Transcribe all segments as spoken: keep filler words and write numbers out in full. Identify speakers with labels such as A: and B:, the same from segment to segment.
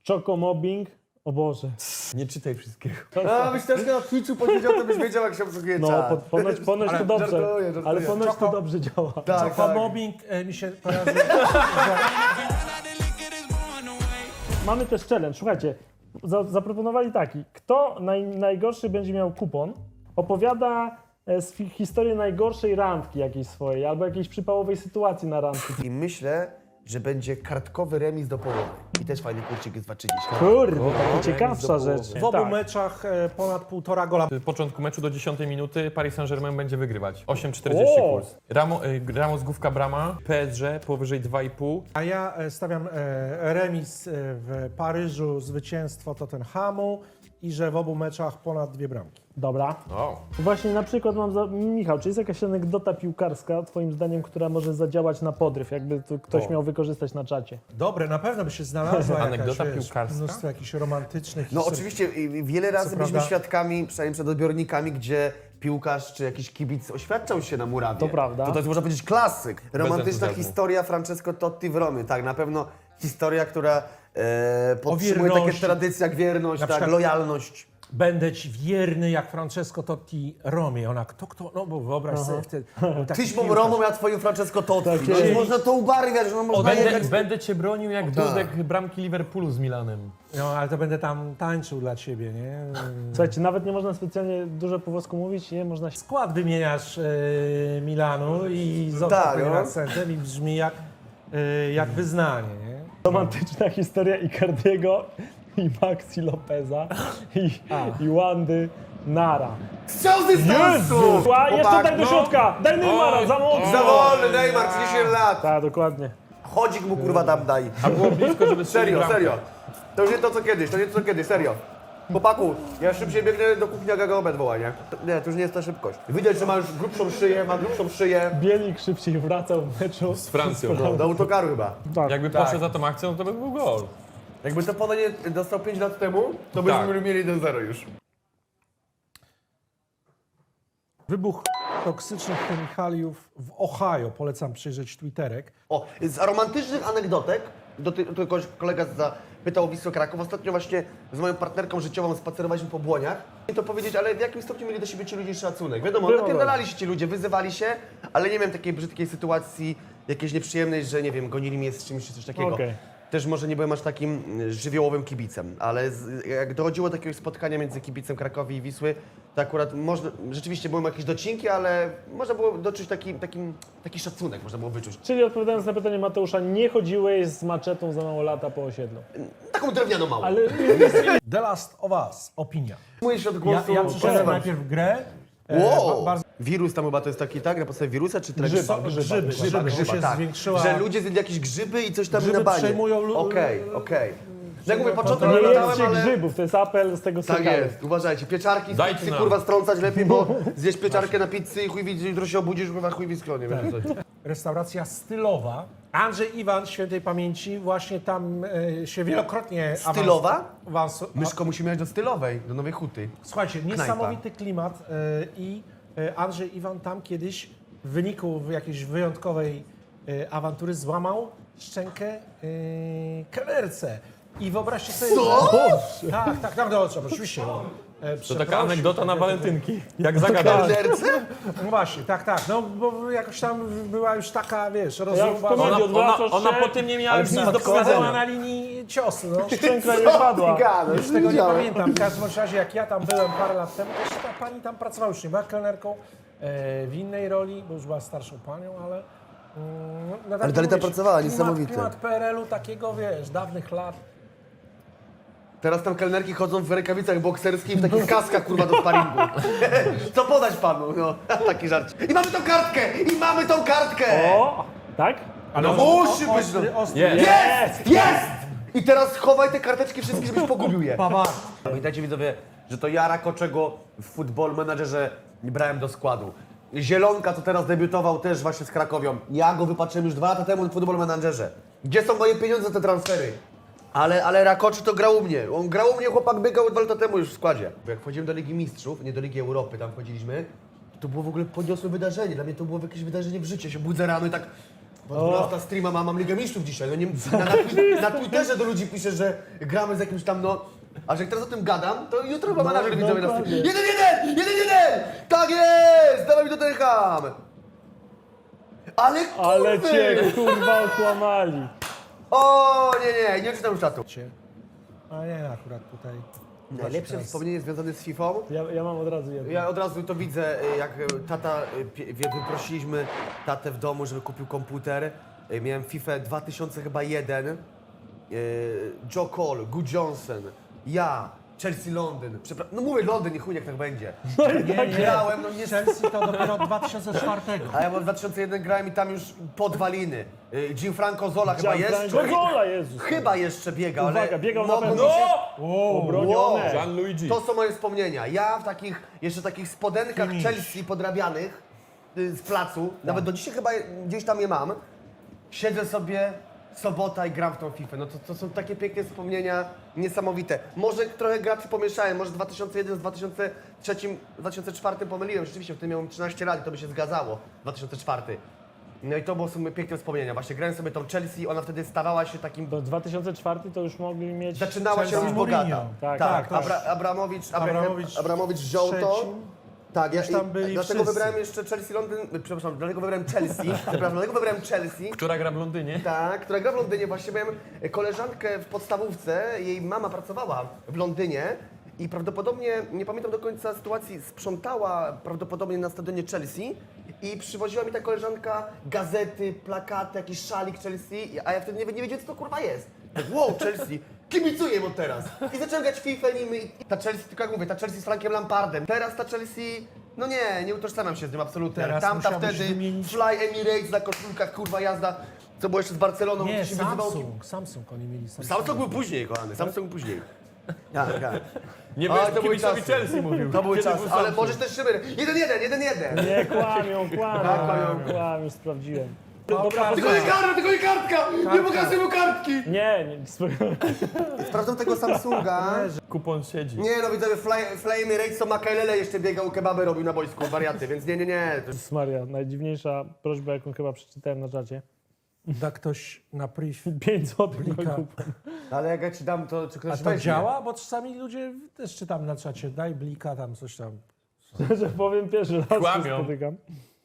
A: Chocomobbing. O Boże.
B: Nie czytaj wszystkiego.
C: A, byś też na Twitchu powiedział, to byś wiedział, jak się obsługuje
A: No,
C: czat.
A: po, ponoć, ponoć
C: Ale
A: to dobrze.
C: żartuję, żartuję.
A: Ale ponoć to
D: Choco-
A: dobrze działa.
C: Tak, tak.
D: Chocomobbing e, mi się kojarzy.
A: Mamy też challenge. Słuchajcie, za, zaproponowali taki. Kto naj, najgorszy będzie miał kupon, opowiada e, swi- historię najgorszej randki jakiejś swojej, albo jakiejś przypałowej sytuacji na randce.
C: I myślę, że będzie kartkowy remis do połowy. I też fajny kurczyk jest dwa trzydzieści.
A: Kurde, taka ciekawsza
C: do
A: rzecz.
C: połowy.
D: W obu
A: Tak.
D: meczach e, ponad półtora gola.
B: W początku meczu do dziesiątej minuty Paris Saint-Germain będzie wygrywać. osiem czterdzieści
A: O!
B: kurs. Ramo, y, Ramos główka brama, P S G powyżej dwa i pół.
D: A ja e, stawiam e, remis e, w Paryżu, zwycięstwo Tottenhamu i że w obu meczach ponad dwie bramki.
A: Dobra.
B: O.
A: Właśnie na przykład mam za... Michał, czy jest jakaś anegdota piłkarska, twoim zdaniem, która może zadziałać na podryw, jakby to ktoś
D: O.
A: miał wykorzystać na czacie?
D: Dobre, na pewno by się znalazła
B: Anegdota
D: jakaś, wiesz,
B: piłkarska?
D: mnóstwo jakichś romantycznych
C: No
D: historii.
C: oczywiście i wiele razy
D: Co
C: byliśmy
D: prawda-
C: świadkami, przynajmniej przed odbiornikami, gdzie piłkarz czy jakiś kibic oświadczał się na murawie.
A: To prawda.
C: To, to jest, można powiedzieć, klasyk. Romantyczna
B: entuzjazmu.
C: historia Francesco Totti w Romie. Tak, na pewno historia, która e, podtrzymuje takie
D: wierności.
C: tradycje jak wierność,
D: Na
C: tak,
D: przykład-
C: lojalność.
D: Będę ci wierny jak Francesco Totti Romie. Ona, kto, kto, no bo wyobraź sobie wtedy. był taki
C: Tyś był
D: piłkarz.
C: Romą, ja twoim Francesco Totti.
A: Tak
C: no,
A: jest.
C: można to ubarwiać, no można
B: Będę,
C: jechać...
B: będę cię bronił jak Dudek bramki Liverpoolu z Milanem.
D: No, ale to będę tam tańczył dla ciebie, nie?
A: Słuchajcie, nawet nie można specjalnie dużo po włosku mówić, nie można się...
D: Skład wymieniasz e, Milanu i z
C: Tak,
D: odpowiednim
C: no.
D: akcentem i brzmi jak, e, jak wyznanie, nie?
A: Romantyczna historia Icardiego i Maxi Lopeza i, i Wandy Nara.
C: Strzał z dystansu!
A: Jezu! A, jeszcze
C: Chłopak,
A: daj do
C: no.
A: środka! Daj Neymara, za mocno!
C: Za wolny, Neymar, trzydzieści lat.
A: Tak, dokładnie.
C: Chodzik mu kurwa tam daj.
B: A było blisko, żeby strzelić
C: Serio,
B: bramkę.
C: serio. To już nie to co kiedyś, to nie to co kiedyś, serio. Chłopaku, ja szybciej biegnę do kuchni, jak Agagobet woła, nie? To- Nie, to już nie jest ta szybkość. Widać, że ma już grubszą szyję, ma grubszą szyję.
A: Bielik szybciej wracał w meczu.
B: Z Francją.
C: No, do autokaru chyba.
A: Tak.
B: Jakby
C: Tak.
B: poszedł za tą akcją, to by był gol.
C: Jakby to podanie dostał pięć lat temu, to byśmy
B: Tak.
C: mieli jeden zero już.
D: Wybuch toksycznych chemikaliów w Ohio. Polecam przejrzeć Twitterek.
C: O, z romantycznych anegdotek, do ty, tylko kolega zapytał o Wisłę Kraków. Ostatnio właśnie z moją partnerką życiową spacerowaliśmy po Błoniach. I to powiedzieć, ale w jakim stopniu mieli do siebie ci ludzie szacunek? Wiadomo,
A: Było.
C: napierdalali się ci ludzie, wyzywali się, ale nie miałem takiej brzydkiej sytuacji, jakiejś nieprzyjemnej, że nie wiem, gonili mnie z czymś czy coś takiego.
A: Okej.
C: Też może nie byłem aż takim y, żywiołowym kibicem, ale z, jak dochodziło do jakiegoś spotkania między kibicem Krakowi i Wisły, to akurat można, rzeczywiście były jakieś docinki, ale można było doczuć taki, takim, taki szacunek, można było wyczuć.
A: Czyli odpowiadając na pytanie Mateusza, nie chodziłeś z maczetą za mało lata po osiedlu.
C: Taką drewnianą małą.
A: Ale
D: The Last of Us. Opinia.
C: Mój się od
D: Ja,
C: głosu.
D: ja przeszedłem
C: Pozwam.
D: najpierw grę. e,
C: Wow!
D: ba- bardzo
C: Wirus tam chyba to jest taki, tak? Na podstawie wirusa czy
A: Grzyba,
C: grzyba?
A: grzyba.
D: grzyby,
C: Grzyba,
D: grzyby,
C: grzyba,
D: się
C: tak.
D: zwiększyła.
C: Że ludzie zjedli jakieś grzyby i coś tam
D: Grzyby
C: na banie.
D: przejmują lu-
C: Okej, okej. No jak mówię, początek
A: nie
C: oglądałem,
A: jedzcie
C: ale...
A: grzybów, to jest apel z tego
C: Tak
A: serialu.
C: jest, uważajcie. Pieczarki z
B: Dajcie
C: pizzy,
B: nam.
C: kurwa, strącać lepiej, bo zjeść pieczarkę na pizzy i chuj widzi, jutro się obudzisz, kurwa, chuj w skronie. wiesz, coś.
D: Restauracja stylowa. Andrzej Iwan, świętej pamięci, właśnie tam e, się wielokrotnie... awans-
C: Stylowa?
D: Awans,
C: Myszko musimy jechać do stylowej, do Nowej Huty.
D: Słuchajcie, niesamowity klimat e, i e, Andrzej Iwan tam kiedyś w wyniku jakiejś wyjątkowej e, awantury złamał szczękę e, kelnerce. I wyobraźcie sobie,
C: Co?
D: że... Tak, tak, tak, no, oczywiście. No. E,
B: To taka anegdota na walentynki. Jak zagadać.
C: Kelnerce?
D: No właśnie, tak, tak, no bo jakoś tam była już taka, wiesz,
A: Jak w
D: rozruba.
A: komedii
B: Ona, ona,
A: odwracasz
B: ona
A: się,
B: po tym nie miała
A: ale
B: już nic do
A: wpadła
B: powiedzenia.
D: na linii ciosu, no.
A: Szczęka nie padła.
C: Gada,
D: Już tego nie pamiętam. W każdym razie, jak ja tam byłem parę lat temu, to jeszcze ta pani tam pracowała, już nie była kelnerką, e, w innej roli, bo już była starszą panią, ale... Mm, no, no, tak
C: dalej tam
D: mówię,
C: pracowała,
D: klimat,
C: niesamowite.
D: Klimat P R L-u takiego, wiesz, dawnych lat.
C: Teraz tam kelnerki chodzą w rękawicach bokserskich, w takich kaskach, kurwa, do sparingu. Co podać panu? No, taki żart. I mamy tą kartkę! I mamy tą kartkę!
A: O, tak?
D: Ale
C: No musi być,
D: ostry,
C: no.
D: ostry.
B: Jest.
C: Jest! Jest! I teraz chowaj te karteczki wszystkie, żebyś pogubił je.
D: Pawar.
C: Pamiętajcie widzowie, że to ja Rakoczego w Football Managerze nie brałem do składu. Zielonka, co teraz debiutował też właśnie z Krakowią. Ja go wypatrzyłem już dwa lata temu w Football Managerze. Gdzie są moje pieniądze za te transfery? Ale, ale Rakoczy to grał u mnie. On grał u mnie, chłopak biegał dwa lata temu już w składzie. Jak wchodziłem do Ligi Mistrzów, nie do Ligi Europy, tam wchodziliśmy, to było w ogóle podniosłe wydarzenie. Dla mnie to było jakieś wydarzenie w życiu. Ja się budzę rano i tak Bo na streama mam, mam Ligę Mistrzów dzisiaj. No nie, na, na, na Twitterze do ludzi piszę, że gramy z jakimś tam, no... A że jak teraz o tym gadam, to jutro chyba menadżer widzowie na streamie.
A: dokładnie.
C: Jeden, jeden! Jeden, jeden! Tak jest! Dawaj mi do Tottenham! Ale kurwy!
A: Ale cię kurwa okłamali.
C: O nie, nie, nie czytam już czatu.
D: A nie, akurat tutaj.
C: Najlepsze
D: teraz-
C: wspomnienie związane z Fifą.
A: Ja, ja mam od razu jedno.
C: Ja od razu to widzę, y, jak y, tata, y, pie- wie- wyprosiliśmy tatę w domu, żeby kupił komputer. Y, Miałem FIFA dwa tysiące jeden. y, Joe Cole, Good Johnson, ja, Chelsea Londyn. Przepra- no mówię Londyn, nie chuj, jak tak będzie.
D: Nie, nie.
C: Grałem, no nie...
D: Chelsea to dopiero od dwa tysiące czwartego.
C: A ja w dwa tysiące jeden grałem i tam już podwaliny. Y, Gianfranco Zola chyba jest.
A: Gola, Jezus.
C: Chyba jeszcze biegał, ale...
A: Uwaga, biegał na
C: mogło
A: pewno.
C: mi się-
A: Obronione.
C: Wow.
B: Gianluigi.
C: To są moje wspomnienia. Ja w takich, jeszcze takich spodenkach
D: Finish.
C: Chelsea podrabianych y, z placu, nawet do dzisiaj chyba je- gdzieś tam je mam, siedzę sobie, sobota i gram w tą FIFA. No to, to są takie piękne wspomnienia, niesamowite. Może trochę graczy pomieszałem, może dwa tysiące jeden z dwa tysiące trzy, dwa tysiące cztery pomyliłem. Rzeczywiście, wtedy miałem trzynaście lat i to by się zgadzało, dwa tysiące cztery. No i to było są piękne wspomnienia. Właśnie grałem sobie tą Chelsea, ona wtedy stawała się takim...
A: Do dwa tysiące czwarty to już mogli mieć...
C: Zaczynała się
D: Chelsea
C: już
D: Mourinho.
C: bogata.
A: Tak,
C: tak.
D: tak,
C: Abra, Abramowicz, Abraham,
D: Abramowicz
C: Abramowicz wziął to.
D: trzecim.
C: Tak, ja
D: Już tam
C: i-
D: byli
C: dlatego
D: wszyscy.
C: wybrałem jeszcze Chelsea Londyn, przepraszam, dlatego wybrałem Chelsea, przepraszam, dlatego wybrałem Chelsea.
B: Która gra w Londynie?
C: Tak, która gra w Londynie. Właśnie miałem koleżankę w podstawówce, jej mama pracowała w Londynie i prawdopodobnie, nie pamiętam do końca sytuacji, sprzątała prawdopodobnie na stadionie Chelsea i przywoziła mi ta koleżanka gazety, plakaty, jakiś szalik Chelsea, a ja wtedy nie, nie wiedziałem, co to kurwa jest. Tak, wow, Chelsea, kibicuję mu teraz. I zacząłem grać w FIFA nim i ta Chelsea, tylko jak mówię, ta Chelsea z Frankiem Lampardem. Teraz ta Chelsea, no nie, nie utożsamiam się z nim absolutnie.
D: Teraz
C: Tamta
D: musiałbyś
C: wtedy,
D: wymienić-
C: Fly Emirates na koszulkach, kurwa jazda. Co było jeszcze z Barceloną,
D: Nie,
C: gdzie się wyzywał.
D: Samsung. Samsung oni mieli. Samsung.
C: Samsung był później, kochany, Samsung później. Tak, tak.
B: Nie
C: A,
B: wiesz,
C: to były
B: kibicowi
C: czasy.
B: Chelsea mówił.
C: To były
B: Kiedy
C: czasy,
B: był
C: ale
B: Samsung.
C: możesz też szyber. Jeden, jeden, jeden, jeden.
A: Nie, kłamią, kłamią,
C: Tak, kłamią.
A: kłamią, sprawdziłem.
D: No,
A: Dobra,
D: tak.
C: Tylko nie kartka, tylko nie kartka! Nie pokazuj mu kartki!
A: Nie, nie, spokojnie.
C: Sprawdzam tego Samsunga.
B: Kupon siedzi.
C: Nie no, widzowie, Fly, Fly Emirates to Makelele jeszcze biegał, kebaby robił na boisku, wariaty, więc nie, nie, nie. To...
A: Maria, najdziwniejsza prośba, jaką chyba przeczytałem na czacie.
D: Da ktoś na priv.
A: pięć złotych na
D: Blika.
A: kupon.
C: Ale jak ja ci dam, to czy ktoś
D: A to
C: weźmie?
D: działa? Bo czasami ludzie też czytam na czacie. Daj blika tam, coś tam.
A: Że powiem, pierwszy raz się
B: Kłamią.
A: spotykam.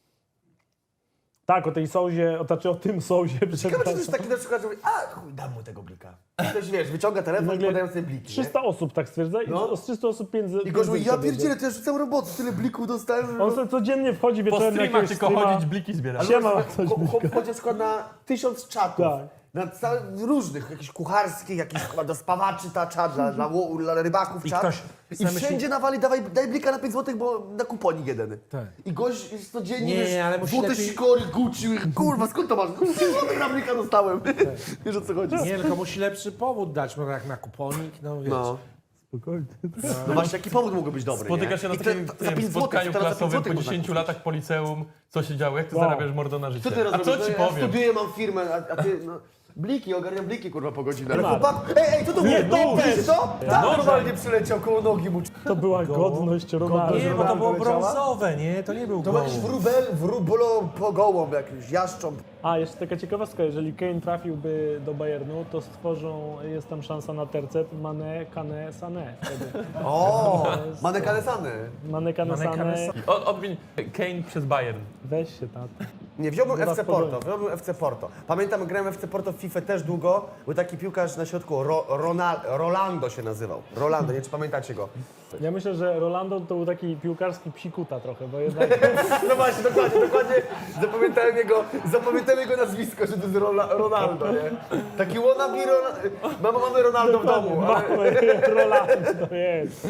A: Tak, o tej sołzie, o, znaczy o tym sołzie,
C: Ciekawe, czy to
A: przepraszam.
C: jest taki na przykład, że mówi, a chuj, dam mu tego blika. I ktoś, wiesz, wyciąga telefon i
A: Nagle
C: podają sobie bliki, nie?
A: trzysta osób tak stwierdza i
C: No.
A: z trzystu osób pięć
C: I gość mówi, ja pierdzielę, to ja rzucam roboty, tyle blików dostałem, że...
A: On sobie codziennie wchodzi
B: Po
A: wieczorem na
B: streamach
A: jakiegoś
B: tylko
A: streama.
B: chodzić, bliki zbierać.
A: Siema,
C: Ale
A: coś
C: chłop- chłop
A: blika.
C: chodzi na przykład na tysiąc czatów.
A: Tak.
C: Na całe, różnych, jakichś kucharskich, jakichś chyba do spawaczy ta czat, dla, dla, ło- dla rybaków
D: I
C: czat.
D: ktoś
C: I
D: sobie
C: wszędzie
D: myśli-
C: nawali, dawaj, daj blika na pięć złotych, bo na kuponik jeden.
D: Tak.
C: I gość jest codziennie,
D: Nie,
C: wiesz,
D: nie, ale musi
C: złote
D: lepiej-
C: sikory, Gucci, kurwa, skąd to masz? pięć złotych na blika dostałem. Wiesz o co chodzi?
D: Nie, tylko musi lepszy powód dać, no jak na kuponik, no wiesz.
C: No.
A: Spokojnie.
C: No właśnie, jaki powód mógłby być dobry,
B: Spotykasz się
C: nie?
B: na
C: I te-
B: takim
C: za
B: tym
C: pięć złotych,
B: spotkaniu
C: teraz za pięć
B: klasowym
C: złotych
B: po
C: można
B: dziesięciu
C: kupić.
B: latach po liceum. Co się działo? Jak ty
A: Wow.
B: zarabiasz mordo na życie?
C: Co ty
B: A
C: robisz?
B: co
C: No,
B: ci
C: ja
B: powiem?
C: studiuję, mam firmę, a, a ty, no... Bliki, ogarniam bliki, kurwa, po godzinę. Ale
A: Temat.
C: chłopak, ej, ej, co to
A: Nie,
C: było?
A: nóż.
C: Widzisz to? Tak,
B: Nożem.
C: normalnie przyleciał koło nogi mu.
A: To była godność Ronaldo.
D: Nie, bo to było
C: leciała?
D: brązowe, nie? To nie był
C: To
D: gołąb.
C: jakiś wróbel, wróbolo po gołąb jakiś, jaszcząb.
A: A, jeszcze taka ciekawostka, jeżeli Kane trafiłby do Bayernu, to stworzą, jest tam szansa na tercet Mane, Kane, Sané. Wtedy.
C: O, manekalesany.
A: Mane, Kane,
D: Mane, Kane,
A: Sané,
D: Sané.
B: Od, odmień Kane przez Bayern.
A: weź się tam.
C: Nie, wziąłbym
A: Zaraz
C: F C
A: pogonię.
C: Porto, wziąłbym F C Porto. Pamiętam, grałem w F C Porto w FIFA też długo, był taki piłkarz na środku, Ro, Ronal, Rolando się nazywał. Rolando, nie wiem, czy pamiętacie go.
A: Ja myślę, że Rolando to był taki piłkarski psikuta trochę, bo jednak
C: No właśnie, dokładnie, dokładnie. Zapamiętałem jego, zapamiętałem jego nazwisko, że to jest Rola, Ronaldo, nie? Taki wannabe Ronaldo. Mamy, mamy Ronaldo w domu, ale...
A: mamy Rolando, to jest.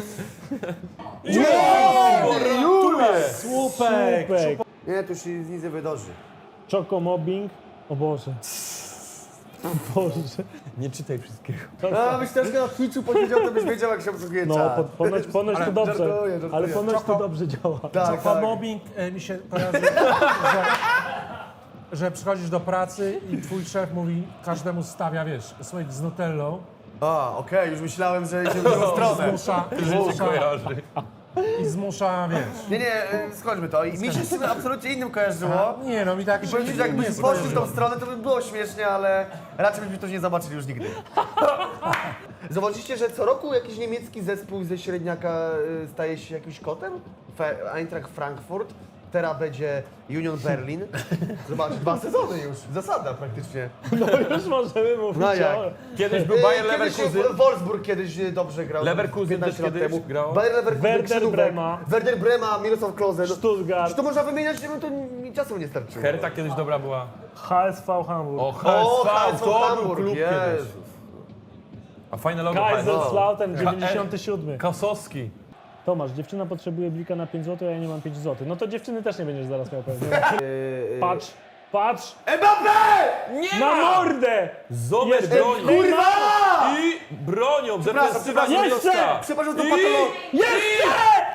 C: Jule!
D: Słupek!
A: Słupek,
C: Nie, tu się nic nie wydarzy.
A: Chocomobbing, o Boże. O Boże.
B: Nie czytaj wszystkiego.
C: A, byś troszkę na Twitchu powiedział, to byś wiedział, jak się obsługuje
A: No,
C: czat.
A: po, ponoć, ponoć to
C: Ale
A: dobrze,
C: żartuję, żartuję.
A: ale ponoć to
D: Choco-
A: dobrze działa.
C: Tak,
D: Po
C: tak.
D: mobbing e, mi się kojarzy, że, że przychodzisz do pracy i twój szef mówi, każdemu stawia, wiesz, słoik z nutellą,
C: A, okej, już myślałem, że idzie w drugą stronę.
D: zmusza,
B: Życie
D: zmusza,
B: kojarzy.
D: i zmusza, wiesz.
C: Nie, nie, y, skończmy to. I mi się z tym absolutnie innym kojarzyło.
D: Nie no, mi tak
C: I
D: się
C: powiem
D: nie,
C: ci, że jakbyś
D: nie
C: poszli w tą
D: skojarzyło.
C: stronę, to by było śmiesznie, ale raczej byśmy to nie zobaczyli już nigdy. Zobaczycie, że co roku jakiś niemiecki zespół ze średniaka y, staje się jakimś kotem? Fe- Eintracht Frankfurt, teraz będzie Union Berlin. Zobacz, dwa sezony już, zasada praktycznie.
A: No już możemy mówić
C: No jak?
A: o...
B: Kiedyś był
C: Y,
B: Bayer
C: kiedyś
B: Leverkusen.
C: Wolfsburg kiedyś y, dobrze grał.
B: Leverkusen
C: piętnaście
B: też
C: lat
B: kiedyś
C: temu.
B: grał.
C: Bayer Leverkusen,
A: Werder
C: Krzydówek,
A: Brema.
C: Werder Brema, Mirosław Klose. No,
A: Stuttgart.
C: Czy to można wymieniać? Nie wiem, to mi czasu nie starczyło.
B: Herta kiedyś dobra była.
A: H S V Hamburg.
B: O,
C: O,
B: H S V, to był
C: Hamburg,
B: klub
C: Jezus.
B: kiedyś. A fajne logo H S V.
A: Kaiserslautern dziewięćdziesiąty siódmy.
B: Kasowski.
A: Tomasz, dziewczyna potrzebuje blika na pięć złotych, a ja nie mam pięć złotych. No to dziewczyny też nie będziesz zaraz miał pewnie.
C: Yy,
A: Patrz, patrz!
C: Mbappé!
B: Nie
A: Na
B: ma!
A: mordę!
B: Zobacz
A: Jest-
B: bronią.
C: Kurwa!
B: I bronią.
C: Przepraszam,
B: Defensywa
C: przepraszam,
B: Milowska.
C: przepraszam, to
B: I-
C: patolo-
B: Jeszcze!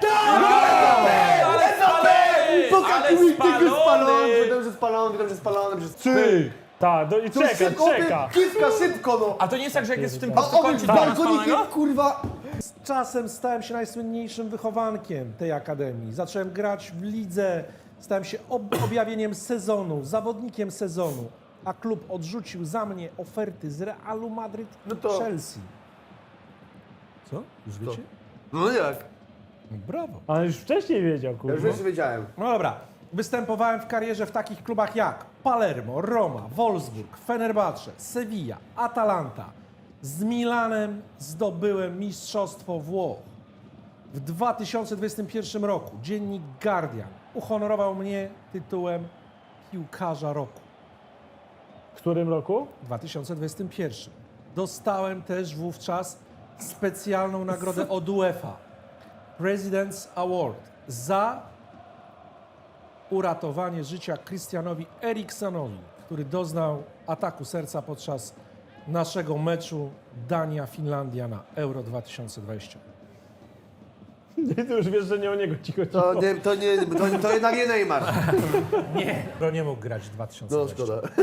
C: Ale
B: spalony!
C: Pokaż
B: Ale
C: mi tylko spalony!
B: spalony!
C: Wiadomo, że spalony, wiadomo, że spalony. Że...
B: Ty!
A: Tak, do, i
C: To
A: czeka,
C: szybko,
A: czeka.
C: Kitka, szybko no!
B: A to nie jest tak, że jak jest w tym
C: A
B: prostokącie
C: obym
B: to
C: balkonikiem,
B: spalonego?
C: kurwa!
D: Z czasem stałem się najsłynniejszym wychowankiem tej akademii. Zacząłem grać w lidze, stałem się ob- objawieniem sezonu, zawodnikiem sezonu, a klub odrzucił za mnie oferty z Realu Madryt i
C: No to-
D: Chelsea. Co? Już wiecie?
C: No jak?
D: Brawo.
A: Ale już wcześniej wiedział,
C: Ja
A: kurwa.
C: już wiedziałem.
D: No dobra. Występowałem w karierze w takich klubach jak Palermo, Roma, Wolfsburg, Fenerbahce, Sevilla, Atalanta. Z Milanem zdobyłem Mistrzostwo Włoch. W dwa tysiące dwudziestym pierwszym roku dziennik Guardian uhonorował mnie tytułem piłkarza roku.
A: W którym roku?
D: W dwa tysiące dwudziestym pierwszym. Dostałem też wówczas specjalną nagrodę od UEFA. President's Award za uratowanie życia Christianowi Eriksonowi, który doznał ataku serca podczas naszego meczu Dania-Finlandia na Euro dwa tysiące dwudziestym.
A: I ty już wiesz, że nie o niego ci chodziło.
C: To, nie, to, nie, to, to jednak nie Neymar.
D: Nie, to nie mógł grać w dwa tysiące
C: No
D: dwudziestym.
C: szkoda.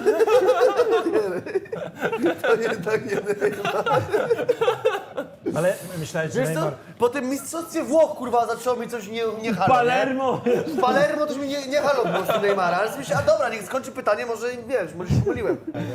C: To jednak nie Neymar.
D: Ale myślałeś, że
C: Wiesz co?
D: Neymar...
C: Po tym mistrzostwie Włoch, kurwa, zaczęło mi coś nie, nie halo,
A: Palermo!
C: nie? W Palermo też mi nie, nie halo po prostu Neymara, ale sobie myślę, a dobra, niech skończy pytanie, może wiesz, może się pomyliłem.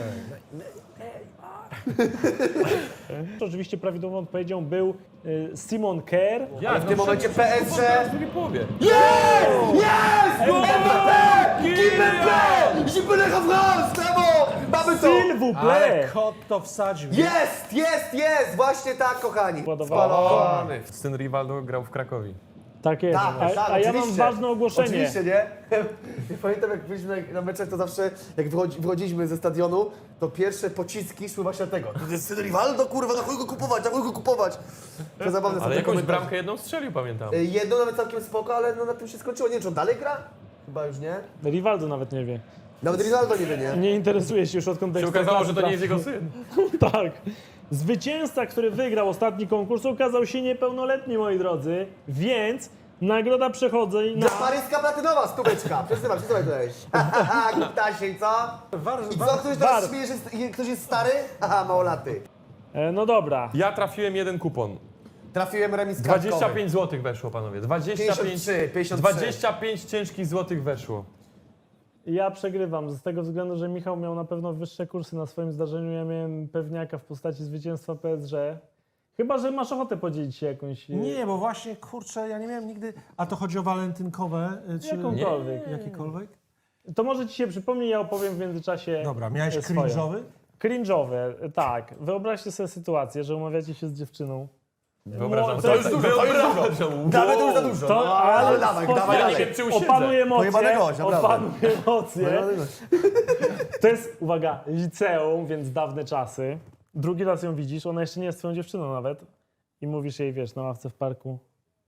A: Oczywiście prawidłową odpowiedzią był y, Simon Kerr.
B: Jak?
C: W tym momencie P S G...
B: W drugiej połowie.
C: Jest! Mbappé! Mbappé! Zibyle France! Brawo! Mamy to!
A: S'il vous
D: Ale
A: plaît!
D: kot to wsadził.
C: Jest, jest, jest! Właśnie tak, kochani.
A: Ładowało.
C: Spalony.
B: Syn Rivaldo grał w Krakowie.
A: Tak jest.
C: Tak,
A: a,
C: tak,
A: a ja mam
C: oczywiście.
A: ważne ogłoszenie.
C: Oczywiście, nie? Ja pamiętam, jak byliśmy na, na meczach, to zawsze, jak wychodzi, wychodziliśmy ze stadionu, to pierwsze pociski szły właśnie tego. To jest syn Rivaldo, kurwa, na chuj go kupować, na chuj go kupować. To zabawne są
B: Ale
C: te
B: jakąś
C: komentarze.
B: bramkę jedną strzelił, pamiętam.
C: Y, Jedno nawet całkiem spoko, ale no na tym się skończyło. Nie wiem, czy on dalej gra? Chyba już nie.
A: Rivaldo nawet nie wie.
C: Nawet Rivaldo nie wie, nie?
A: Nie interesuje się już odkąd
B: Się okazało, że to nie jest jego syn.
A: Tak. Zwycięzca, który wygrał ostatni konkurs, okazał się niepełnoletni, moi drodzy, więc nagroda przechodzi na...
C: Dla Paryska Platynowa, stóweczka. Przesyłaj, przesyłaj tutaj. Haha, Gutasiej, co?
D: War,
C: I co,
D: war,
C: ktoś teraz
A: War.
C: śmieje, że jest- ktoś jest stary? Haha, małolaty.
A: E, No dobra.
B: Ja trafiłem jeden kupon.
C: Trafiłem remis
B: dwadzieścia
C: kartkowy.
B: pięć złotych weszło, panowie. dwadzieścia pięć,
C: pięćdziesiąt trzy, pięćdziesiąt trzy.
B: dwadzieścia pięć ciężkich złotych weszło.
A: Ja przegrywam z tego względu, że Michał miał na pewno wyższe kursy na swoim zdarzeniu. Ja miałem pewniaka w postaci zwycięstwa P S G. Chyba, że masz ochotę podzielić się jakąś... e,
D: Nie, bo właśnie, kurczę, ja nie miałem nigdy... A to chodzi o walentynkowe? y, Czy...
A: Jakąkolwiek.
D: Jakiekolwiek?
A: To może ci się przypomni, ja opowiem w międzyczasie.
D: Dobra, miałeś
A: e, swoją.
D: cringe'owy?
A: Cringe'owe, tak. Wyobraźcie sobie sytuację, że umawiacie się z dziewczyną.
B: Wyobrażam
A: No,
B: sobie.
A: to już
C: dużo, to już dużo.
B: Wyobrażam.
C: Nawet to już za dużo.
A: To,
C: No,
A: ale,
C: ale dawaj,
A: spoko-
C: dawaj,
B: Ja
C: dawaj.
B: nie wiem, czy usiedzę.
A: Opanuj emocje,
C: Pojebany gość, naprawdę.
A: opanuj emocje.
C: Pojebany gość.
A: To jest, uwaga, liceum, więc dawne czasy. Drugi raz ją widzisz, ona jeszcze nie jest twoją dziewczyną nawet. I mówisz jej, wiesz, na ławce w parku.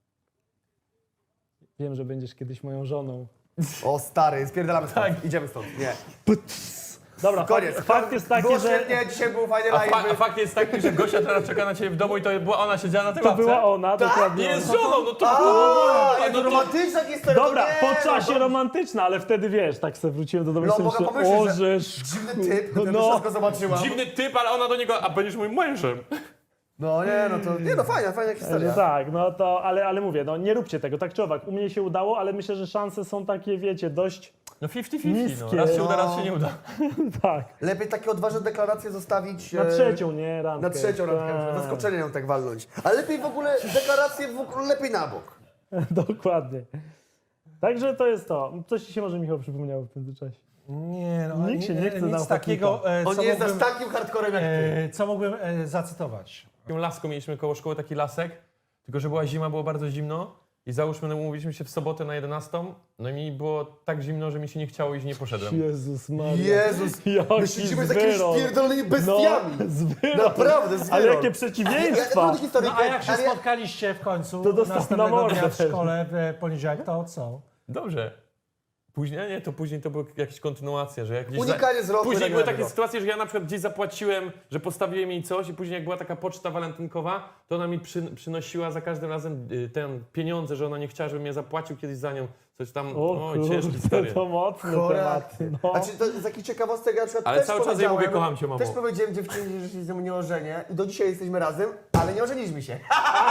A: Wiem, że będziesz kiedyś moją żoną.
C: O stary, spierdalamy stąd. Idziemy stąd. Nie.
A: Dobra,
C: Koniec.
A: fakt, fakt jest taki,
C: Było
A: że
C: świetnie, dzisiaj był fajny
B: A, fa- a
C: live.
B: fakt jest taki, że Gosia teraz czeka na ciebie w domu i to była ona siedziała na tej
A: to
B: ławce.
A: była ona, dokładnie
B: Nie
A: ona.
B: jest żoną, no to...
C: A,
B: no
C: jak
B: to-
C: romantyczna historia.
A: Dobra,
C: to nie,
A: po czasie
C: no,
A: romantyczna, ale wtedy wiesz, tak sobie wróciłem do domu i
C: No,
A: sobie
C: mogę
A: myślę,
C: pomyśleć,
A: o,
C: że
A: że
C: Dziwny typ,
A: no.
C: no. wszystko zobaczyłam.
B: Dziwny typ, ale ona do niego, a będziesz moim mężem.
C: No nie, no to, nie no fajna, fajna
A: No
C: historia.
A: tak, no to, ale, ale mówię, no nie róbcie tego, tak czy owak. U mnie się udało, ale myślę, że szanse są takie, wiecie, dość,
B: No pięćdziesiąt pięćdziesiąt, no.
A: Niskie.
B: Raz się uda,
C: No.
B: raz się nie uda.
A: tak,
C: Lepiej takie odważne deklaracje zostawić...
A: na
C: e,
A: trzecią, nie, randkę.
C: Na trzecią randkę,
A: Tak.
C: zaskoczenie ją tak walnąć. Ale lepiej w ogóle deklaracje w ogóle lepiej na bok.
A: Dokładnie. Także to jest to. Coś ci się może, Michał, przypomniało w międzyczasie.
D: Nie, no,
A: Nikt się nie chce na
D: nic
A: ochotnika.
D: takiego, e,
C: On
D: co
C: nie jest aż
D: mógłbym,
C: takim hardcorem jak ty.
D: e, co mógłbym e, zacytować.
B: Taką laską mieliśmy koło szkoły, taki lasek, tylko że była zima, było bardzo zimno i załóżmy, no, umówiliśmy się w sobotę na jedenastą, no i mi było tak zimno, że mi się nie chciało iść, nie poszedłem.
A: Jezus Maria.
C: Jezus,
A: Jaki
C: my siedzimy z jakimiś
A: zwyrol.
C: pierdolonymi bestiami.
A: No, zwyrol.
C: Naprawdę, zwyrol.
A: Ale jakie
C: Ja,
A: przeciwieństwa.
C: ja, historię,
D: No a jak się
C: ale ja-
D: spotkaliście w końcu
A: To dostał na
D: następnego
A: mordę
D: dnia w
A: też.
D: szkole w e, poniedziałek, to co?
B: Dobrze. Później, nie, to później to były jakieś kontynuacje, że jak gdzieś
C: Unikanie wzroku
B: Później były
C: regionalnego.
B: takie sytuacje, że ja na przykład gdzieś zapłaciłem, że postawiłem jej coś i później jak była taka poczta walentynkowa, to ona mi przy, przynosiła za każdym razem y, ten pieniądze, że ona nie chciała, żebym ja zapłacił kiedyś za nią. Coś tam,
A: O
B: oj, ciężkie
A: kurde,
B: historie.
A: to mocny temat.
C: Choraty.
A: No.
C: Znaczy, to z takich ciekawostek ja na przykład
B: Ale
C: też
B: cały czas jej
C: powiedziałem-
B: mówię, kocham cię, mamo.
C: Też powiedziałem dziewczynie, że się z nią nie ożenię i do dzisiaj jesteśmy razem, ale nie ożeniliśmy się.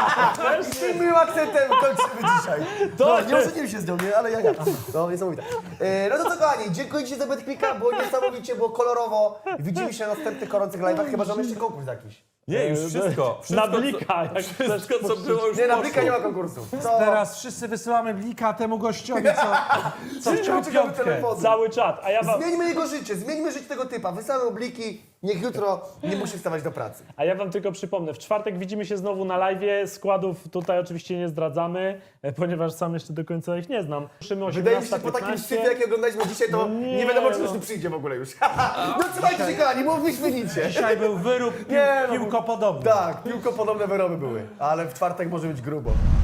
C: I z tym miłym akcentem kończymy dzisiaj. No, nie ożeniliśmy się z nią, nie? Ale ja, ja. No, niesamowite. E, no to co, kochani, dziękuję Ci za BetClicka, było niesamowicie, było kolorowo. Widzimy się na następnych gorących live'ach, chyba że mamy jeszcze konkurs jakiś.
B: Nie, już wszystko. wszystko
A: Na blika, jak chcesz
B: Wszystko, co było już
C: Nie, na
B: poszło.
C: blika nie ma konkursu. To...
D: Teraz wszyscy wysyłamy blika temu gościowi, co, co wciął
C: Czekamy
D: piątkę.
C: telefonu.
A: Cały czat, a ja wam,
C: Zmieńmy jego życie, zmieńmy życie tego typa. Wysyłamy bliki, niech jutro nie musi wstawać do pracy.
A: a ja wam tylko przypomnę, w czwartek widzimy się znowu na live'ie, składów tutaj oczywiście nie zdradzamy, e, ponieważ sam jeszcze do końca ich nie znam. Ruszymy
C: Wydaje mi się, że
A: osiemnasta
C: po takim
A: piętnaście.
C: szczycie, jaki oglądaliśmy dzisiaj, to
A: No
C: nie,
A: nie,
C: wiadomo, czy
A: no.
C: już tu przyjdzie w ogóle już. No trzymajcie się, kochani, mówmy nic.
D: Dzisiaj był wyrób pił,
C: Nie, no,
D: piłkopodobny.
C: Tak, piłkopodobne wyroby były, ale w czwartek może być grubo.